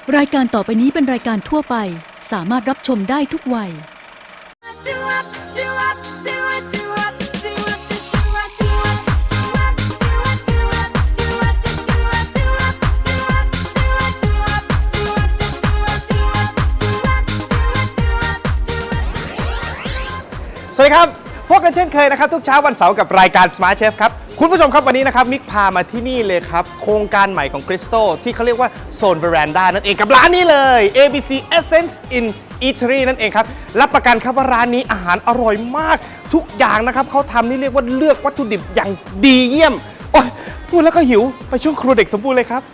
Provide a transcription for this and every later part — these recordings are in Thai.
รายการต่อไปนี้เป็นรายการทั่วไปสามารถรับชมได้ทุกวัยสวัสดีครับพบกันเช่นเคยนะครับทุกเช้าวันเสาร์กับรายการ Smart Chef ครับคุณผู้ชมครับวันนี้นะครับมิกพามาที่นี่เลยครับโครงการใหม่ของ Crystal ที่เขาเรียกว่าโซน Veranda นั่นเองกับร้านนี้เลย ABC Essence in Eatery นั่นเองครับรับประกันครับว่าร้านนี้อาหารอร่อยมากทุกอย่างนะครับเขาทำนี่เรียกว่าเลือกวัตถุดิบอย่างดีเยี่ยมโอ้ยพูดแล้วก็หิวไปช่วงครัวเด็กสมบูรณ์เลยครับ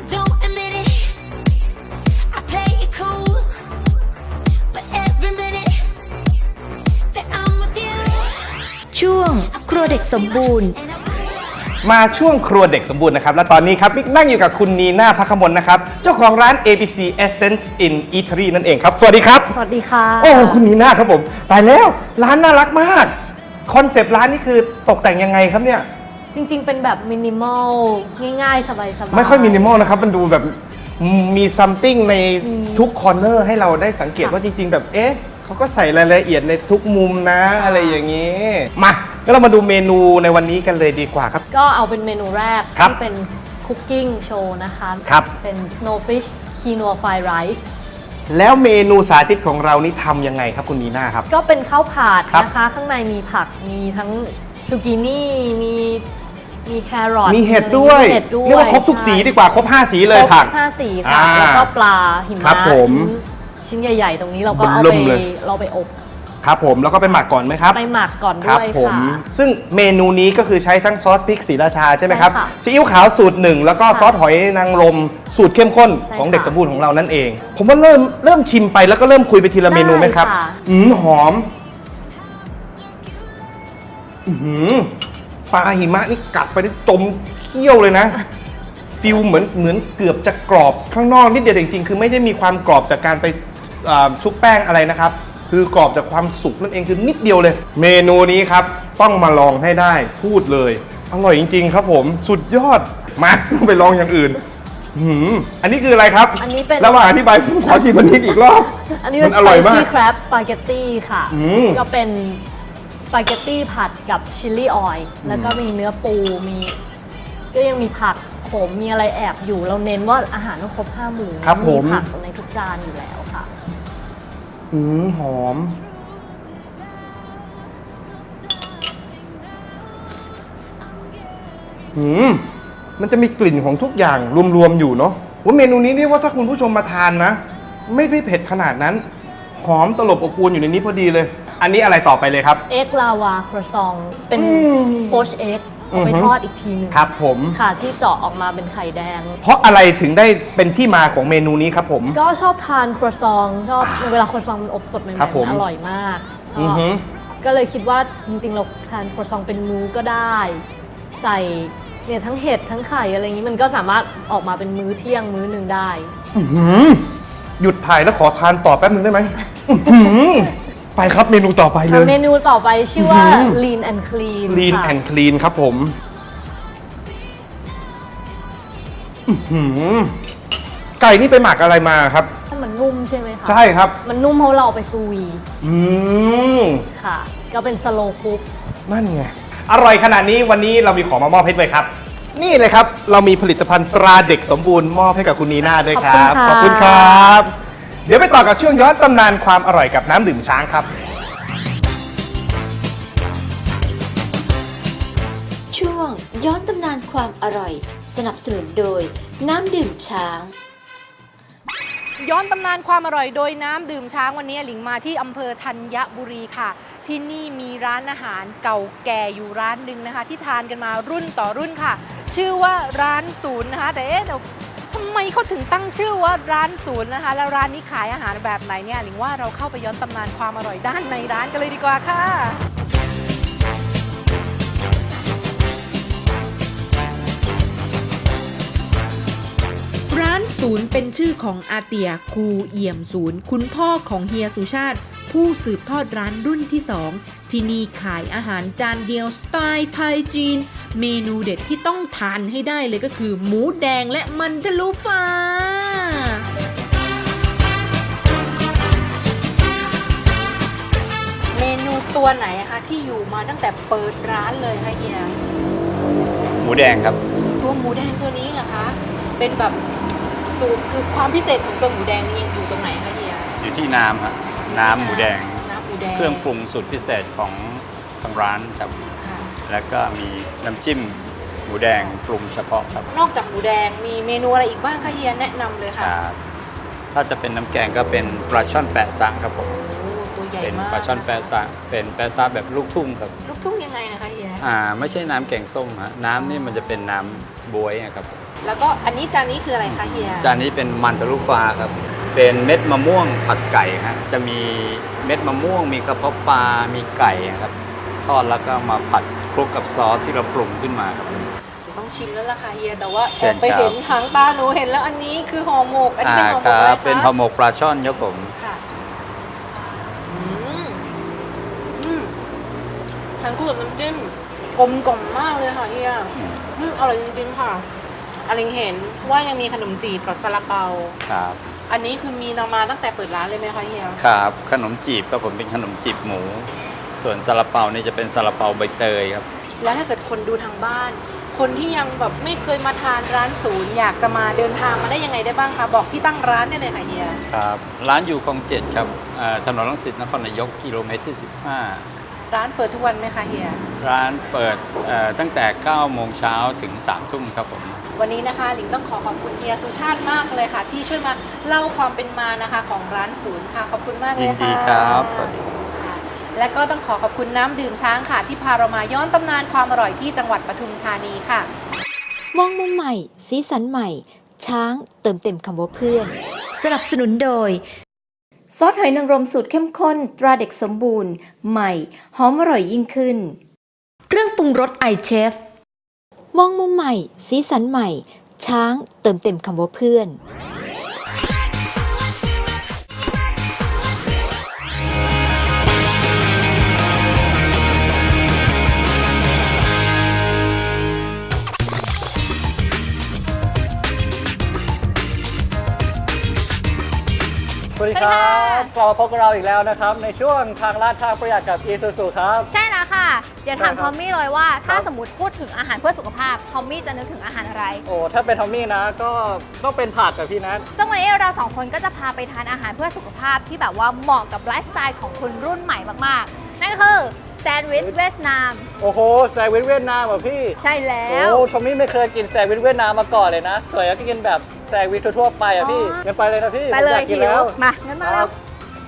ช่วงครัวเด็กสมบูรณ์มาช่วงครัวเด็กสมบูรณ์นะครับและตอนนี้ครับมิกนั่งอยู่กับคุณนีน่าภัคมลนะครับเจ้าของร้าน ABC Essence in Eatery นั่นเองครับสวัสดีครับสวัสดีค่ะโอ้คุณนีน่าครับผมตายแล้วร้านน่ารักมากคอนเซปต์ร้านนี่คือตกแต่งยังไงครับเนี่ยจริงๆเป็นแบบมินิมอลง่ายๆสบายๆไม่ค่อยมินิมอลนะครับมันดูแบบมีซัมติงในทุกคอร์เนอร์ให้เราได้สังเกตว่าจริงๆแบบเอ๊ะเขาก็ใส่รายละเอียดในทุกมุมนะอะไรอย่างนี้มาก็เรามาดูเมนูในวันนี้กันเลยดีกว่าครับก็เอาเป็นเมนูแรกที่เป็นคุกกิ้งโชว์นะคะครับเป็น snowfish quinoa fried rice แล้วเมนูสาธิตของเรานี่ทำยังไงครับคุณนีน่าครับก็เป็นข้าวผัดนะคะข้างในมีผักมีทั้งซูกินี่มีแครอทมีเห็ดด้วยเรียกว่าครบทุกสีดีกว่าครบ5สีเลยผัก 5สีค่ะแล้วก็ปลาหิมะชิ้นใหญ่ๆตรงนี้เราก็เอาไปอบครับผมแล้วก็ไปหมักก่อนไหมครับไปหมักก่อนด้วยค่ะซึ่งเมนูนี้ก็คือใช้ทั้งซอสพริกศรีราชาใช่ไหมครับซีอิ๊วขาวสูตร1แล้วก็ซอสหอยนางรมสูตรเข้มข้นของเด็กสมบูรณ์ของเรานั่นเองผมว่าเริ่มชิมไปแล้วก็เริ่มคุยไปทีละเมนูไหมครับหอมปลาหิมะนี่กัดไปนี่จมเคี้ยวเลยนะฟิลเหมือนเกือบจะกรอบข้างนอกนิดเดียวจริงๆคือไม่ได้มีความกรอบจากการไปชุบแป้งอะไรนะครับคือกรอบจากความสุกนั่นเองคือนิดเดียวเลยเมนูนี้ครับต้องมาลองให้ได้พูดเลยอร่อยจริงๆครับผมสุดยอดมาไปลองอย่างอื่นอันนี้คืออะไรครับอันนี้เป็นระหว่างอธิบายขอชิมอันนี้อีกรอบอันนี้เป็นสไปซี่คราบสปาเกตตี้ค่ะก็เป็นสปาเกตตี้ผัดกับชิลลี่ออยล์แล้วก็มีเนื้อปูก็ยังมีผักโขมมีอะไรแอบอยู่เราเน้นว่าอาหารต้องครบ5 หมู่มีผักในทุกจานอยู่แล้วค่ะหอมมันจะมีกลิ่นของทุกอย่างรวมๆอยู่เนาะว่าเมนูนี้นี่ว่าถ้าคุณผู้ชมมาทานนะไม่ได้เผ็ดขนาดนั้นหอมตลบอบอวนอยู่ในนี้พอดีเลยอันนี้อะไรต่อไปเลยครับเอ็กลาวาครัวซองเป็นโฟชเอ็กเอาไปทอดอีกทีนึงครับผมค่ะที่เจาะออกมาเป็นไข่แดงเพราะอะไรถึงได้เป็นที่มาของเมนูนี้ครับผมก็ชอบทานครัวซองชอบเวลาครัวซองมันอบสดใหม่ๆอร่อยมากก็เลยคิดว่าจริงๆเราทานครัวซองเป็นมื้อก็ได้ใส่เนี่ยทั้งเห็ดทั้งไข่อะไรอย่างนี้มันก็สามารถออกมาเป็นมื้อเที่ยงมื้อหนึ่งได้หยุดถ่ายแล้วขอทานต่อแป๊บนึงได้ไหมไปครับเมนูต่อไปเลยเมนูต่อไปชื่อว่า Lean and Clean Lean and Clean ครับผมไก่นี่ไปหมักอะไรมาครับมันนุ่มใช่ไหมคะใช่ครับมันนุ่มเพราะเราไปซูวีค่ะก็เป็นสโลว์คุกนั่นไงอร่อยขนาดนี้วันนี้เรามีของมามอบให้ด้วยครับนี่เลยครับเรามีผลิตภัณฑ์ตราเด็กสมบูรณ์มอบให้กับคุณนีน่าด้วยครับขอบคุณครับเดี๋ยวไปต่อกับช่วงย้อนตำนานความอร่อยกับน้ำดื่มช้างครับช่วงย้อนตำนานความอร่อยสนับสนุนโดยน้ำดื่มช้างย้อนตำนานความอร่อยโดยน้ำดื่มช้างวันนี้หลิงมาที่อำเภอธัญบุรีค่ะที่นี่มีร้านอาหารเก่าแก่อยู่ร้านหนึ่งนะคะที่ทานกันมารุ่นต่อรุ่นค่ะชื่อว่าร้านศูนย์นะคะแต่เดี๋ยวทำไมเขาถึงตั้งชื่อว่าร้านศูนย์นะคะแล้วร้านนี้ขายอาหารแบบไหนเนี่ยหลิงว่าเราเข้าไปย้อนตำนานความอร่อยด้านในร้านกันเลยดีกว่าค่ะร้านศูนย์เป็นชื่อของอาเตียคูเอี่ยมศูนย์คุณพ่อของเฮียสุชาติผู้สืบทอดร้านรุ่นที่2ที่นี่ขายอาหารจานเดียวสไตล์ไทยจีนเมนูเด็ดที่ต้องทานให้ได้เลยก็คือหมูแดงและมันทะลุฟ้าเมนูตัวไหนอะคะที่อยู่มาตั้งแต่เปิดร้านเลยคะเฮียหมูแดงครับตัวหมูแดงตัวนี้เหรอคะเป็นแบบสูตรคือความพิเศษของตัวหมูแดงนี่ยังอยู่ตรงไหนคะเฮียอยู่ที่น้ำฮะน้ำหมูแดงน้ำหมูแดงเครื่องปรุงสูตรพิเศษของทางร้านครับค่ะแล้วก็มีน้ำจิ้มหมูแดงปรุงเฉพาะครับนอกจากหมูแดงมีเมนูอะไรอีกบ้างคะเฮียแนะนำเลยคค่ะรับถ้าจะเป็นน้ำแกงก็เป็นปลาช่อนแปะซะครับผมโอ้ตัวใหญ่เป็นมากปลาช่อนแปะซะเป็นแปะซะแบบลูกทุ่งครับลูกทุ่งยังไงนะคะเฮียไม่ใช่น้ำแกงส้มฮะน้ำนี่มันจะเป็นน้ำบวยอะครับแล้วก็อันนี้จานนี้คืออะไรคะเฮียจานนี้เป็นมันทะลุฟ้าครับ เป็นเม็ดมะม่วงผัดไก่ฮะจะมีเม็ดมะม่วง มีกระเพาะปลา มีไก่ครับ ทอดแล้วก็มาผัดคลุกกับซอสที่เราปรุงขึ้นมาครับต้องชิมแล้วล่ะค่ะเฮียแต่ว่าเชิแอญบไปครับเห็นหางตาหนูเห็นแล้วอันนี้คือห่อหมกอันนี้เป็นห่อหมคกอะไรรับคะเป็นห่อหมกปลาช่อนครับผมค่ะอืมอืมทานคู่กับน้ำจิ้มกลมกล่อมมากเลยค่ะเฮียอร่อยจริงๆค่ะอลิงเห็นว่ายังมีขนมจีบกับซาลาเปาครับอันนี้คือมีนำมาตั้งแต่เปิดร้านเลยไหมคะเฮียครับขนมจีบครับผมเป็นขนมจีบหมู ส่วนซาลาเปานี่จะเป็นซาลาเปาใบเตยครับแล้วถ้าเกิดคนดูทางบ้าน คนที่ยังแบบไม่เคยมาทานร้านศูนย์อยากจะมาเดินทางมาได้ยังไงได้บ้างคะบอกที่ตั้งร้านได้เลยค่ะเฮียครับร้านอยู่คลอง7ครับถนนรังสิตนครนายกกิโลเมตรที่ร้านเปิดทุกวันไหมคะเฮีย 15 ร้านเปิดตั้งแต่ 9 โมงเช้าถึง 3 ทุ่มครับผมวันนี้นะคะหลิงต้องขอขอบคุณเฮียสุชาติมากเลยค่ะ ที่ช่วยมาเล่าความเป็นมานะคะของร้านศูนย์ค่ะขอบคุณมากเลยิยนค่ะดีครับสวัสดีค่ะและก็ต้องขอขอบคุณน้ำดื่มช้างค่ะ ที่พาเรามาย้อนตำนานความอร่อยที่จังหวัดปทุมธานีค่ะมองมุมใหม่ สีสันใหม่ ช้างเติมเต็มคำว่าเพื่อนสนับสนุนโดยซอสหอยนางรมสูตรเข้มข้นตราเด็กสมบูรณ์ ใหม่ หอมอร่อยยิ่งขึ้นเครื่องปรุงรสไอเชฟมองมุมใหม่ สีสันใหม่ ช้างเติมเต็มคำว่าเพื่อนสวัสดีครับกลับมาพบกับเราอีกแล้วนะครับในช่วงทางลาดทางประหยัดกับ Isuzu ครับใช่แล้วค่ะ เดี๋ยวถามได้ครับทอมมี่เลยว่าถ้าครับสมมติพูดถึงอาหารเพื่อสุขภาพ ทอมมี่จะนึกถึงอาหารอะไรโอ้ถ้าเป็นทอมมี่นะก็ต้องเป็นผักกับพี่นัทซึ่งวันนี้เราสองคนก็จะพาไปทานอาหารเพื่อสุขภาพที่แบบว่าเหมาะกับไลฟ์สไตล์ของคนรุ่นใหม่มากๆ นั่นก็คือแซนด์วิชเวียดนามโอ้โหแซนด์วิชเวียดนามเหรอพี่ใช่แล้วโอ้ทอมมี่ไม่เคยกินแซนด์วิชเวียดนามมาก่อนเลยนะส่วนใหญ่ก็กินแบบแซนด์วิชทั่วๆไปอ่ะพี่งั้นไปเลยนะพี่ไปเลยผมอากกิหินแล้วมางั้นมาคแล้รัวบ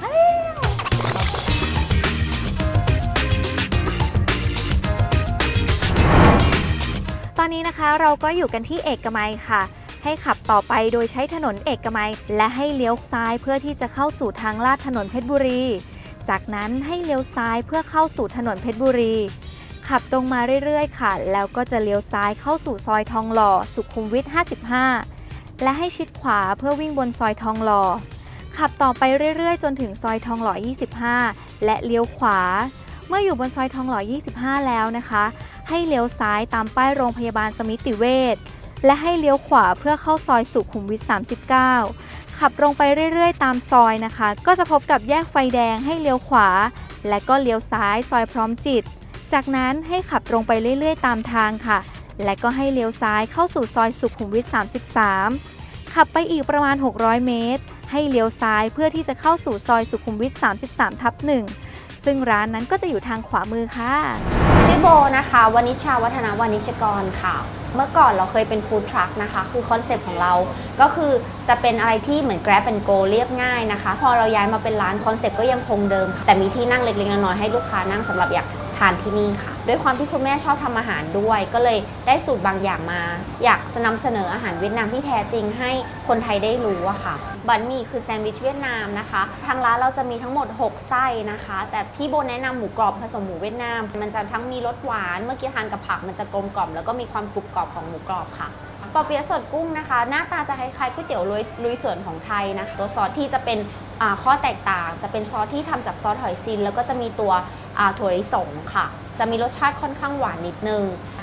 ตอนนี้นะคะเราก็อยู่กันที่เอกมัยค่ะ ให้ขับต่อไปโดยใช้ถนนเอกมัย และให้เลี้ยวซ้ายเพื่อที่จะเข้าสู่ทางลาดถนนเพชรบุรี จากนั้นให้เลี้ยวซ้ายเพื่อเข้าสู่ถนนเพชรบุรี ขับตรงมาเรื่อยๆค่ะ แล้วก็จะเลี้ยวซ้ายเข้าสู่ซอยทองหล่อสุขุมวิท 55 และให้ชิดขวาเพื่อวิ่งบนซอยทองหล่อ ขับต่อไปเรื่อยๆ จนถึงซอยทองหล่อ 25 และเลี้ยวขวา เมื่ออยู่บนซอยทองหล่อ 25 แล้วนะคะ ให้เลี้ยวซ้ายตามป้ายโรงพยาบาลสมิติเวช และให้เลี้ยวขวาเพื่อเข้าซอยสุขุมวิท 39 ขับตรงไปเรื่อยๆ ตามซอยนะคะ ก็จะพบกับแยกไฟแดงให้เลี้ยวขวา และก็เลี้ยวซ้ายซอยพร้อมจิต จากนั้นให้ขับตรงไปเรื่อยๆ ตามทางค่ะ และก็ให้เลี้ยวซ้ายเข้าสู่ซอยสุขุมวิท 33 ขับไปอีกประมาณ 600 เมตร ให้เลี้ยวซ้ายเพื่อที่จะเข้าสู่ซอยสุขุมวิท 33/1 ซึ่งร้านนั้นก็จะอยู่ทางขวามือค่ะชื่อโบนะคะวณิชาวัฒนาวานิชกรค่ะ เมื่อก่อนเราเคยเป็นฟู้ดทรัคนะคะคือคอนเซปต์ของเราก็คือจะเป็นอะไรที่เหมือน Grab and Go เรียบง่ายนะคะพอเราย้ายมาเป็นร้านคอนเซปต์ก็ยังคงเดิมค่ะแต่มีที่นั่งเล็กๆน้อยๆให้ลูกค้านั่งสำหรับอยากทานที่นี่ค่ะด้วยความที่คุณแม่ชอบทำอาหารด้วย ก็เลยได้สูตรบางอย่างมา อยากนำเสนออาหารเวียดนามที่แท้จริงให้คนไทยได้รู้อะค่ะบันหมี่คือแซนด์วิชเวียดนามนะคะทางร้านเราจะมีทั้งหมด6ไส้นะคะแต่ที่โบแนะนำหมูกรอบผสมหมูเวียดนามมันจะทั้งมีรสหวานเมื่อกี้ทานกับผักมันจะกลมกล่อมแล้วก็มีความกรุบกรอบของหมูกรอบค่ะปอเปี๊ยะสดกุ้งนะคะหน้าตาจะคล้ายๆก๋วยเตี๋ยวลุยสวนของไทยนะคะตัวซอสที่จะเป็นข้อแตกต่างจะเป็นซอสที่ทำจากซอสหอยซินแล้วก็จะมีตัวถั่วลิสงค่ะจะมีรสชาติค่อนข้างหวานนิดนึง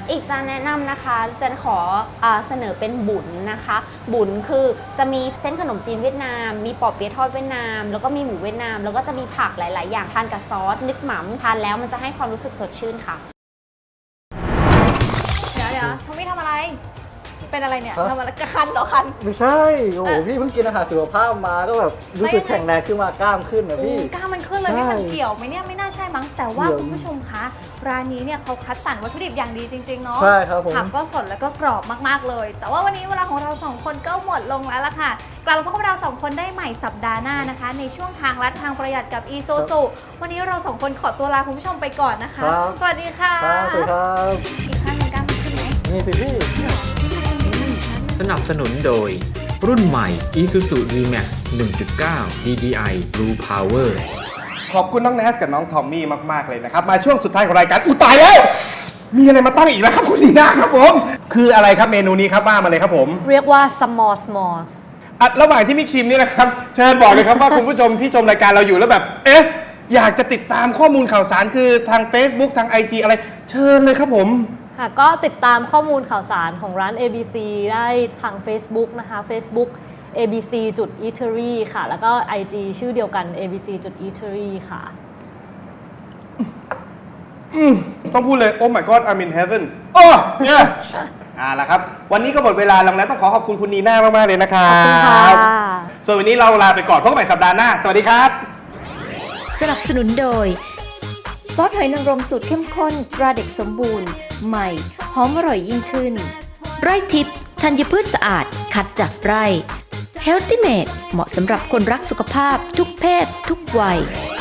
อีกจานแนะนำนะคะจะขอเสนอเป็นบุญนะคะ บุญคือจะมีเส้นขนมจีนเวียดนาม มีปอเปี๊ยะทอดเวียดนาม แล้วก็มีหมูเวียดนาม แล้วก็จะมีผักหลาย ๆ อย่างทานกับซอสนึกหม่ำทานแล้วมันจะให้ความรู้สึกสดชื่นค่ะเดี๋ยวทอมมี่ทำอะไร เป็นอะไรเนี่ยทำอะไรกระคันเหรอคันไม่ใช่ โอ้โหพี่เพิ่งกินอาหารสุขภาพมาก็แบบรู้สึกแข็งแรงขึ้นมากล้ามขึ้นนะพี่กล้ามมันขึ้นเลยไม่มันเกี่ยวไหมเนี่ยไม่น่าใช่มั้งแต่ว่าคุณผู้ชมคะร้านนี้เนี่ยเขาคัดสรรวัตถุดิบอย่างดีจริงๆเนาะใช่ครับผมผักก็สดแล้วก็กรอบมากๆเลย แต่ว่าวันนี้เวลาของเราสองคนก็หมดลงแล้วล่ะค่ะกลับมาพบกับเราสองคนได้ใหม่สัปดาห์หน้านะคะในช่วงทางลัดทางประหยัดกับอีซูซูวันนี้เราสองคนขอตัวลาคุณผู้ชมไปก่อนนะคะสวัสดีค่ะครับสวัสดีครับอีกครั้งหนึ่งกล้ามขึ้นไหมนี่สิพี่สนับสนุนโดย รุ่นใหม่ Isuzu D-Max 1.9 DDI Blue Power ขอบคุณน้องแนสกับน้องทอมมี่มากๆเลยนะครับมาช่วงสุดท้ายของรายการอุยตายแล้วมีอะไรมาตั้งอีกแล้วครับคุณนีน่าครับผมคืออะไรครับเมนูนี้ครับว่ามาเลยครับผมเรียกว่า small smalls ระหว่างที่มิกชิมนี่นะครับเชิญบอกเลยครับว่าคุณผู้ชมที่ชมรายการเราอยู่แล้วแบบอยากจะติดตามข้อมูลข่าวสารคือทาง Facebook ทาง IG อะไรเชิญเลยครับผมค่ะก็ติดตามข้อมูลข่าวสารของร้าน ABC ได้ทาง Facebook นะคะ Facebook abc.eatery ค่ะแล้วก็ IG ชื่อเดียวกัน abc.eatery ค่ะต้องพูดเลย Oh my God I'm in heaven โอ้เนี่ยละครับวันนี้ก็หมดเวลาแล้วนะต้องขอขอบคุณคุณนีน่ามากๆเลยนะครับขอบคุณค่ะส่วนวันนี้เราลาไปก่อนพบกันใหม่สัปดาห์หน้าสวัสดีครับสนับสนุนโดยซอสหอยนางรมสูตรเข้มข้นตราเด็กสมบูรณ์ใหม่หอมอร่อยยิ่งขึ้นไร่ทิพย์ธัญพืชสะอาดคัดจากไร่ Healthy Made เหมาะสำหรับคนรักสุขภาพทุกเพศทุกวัย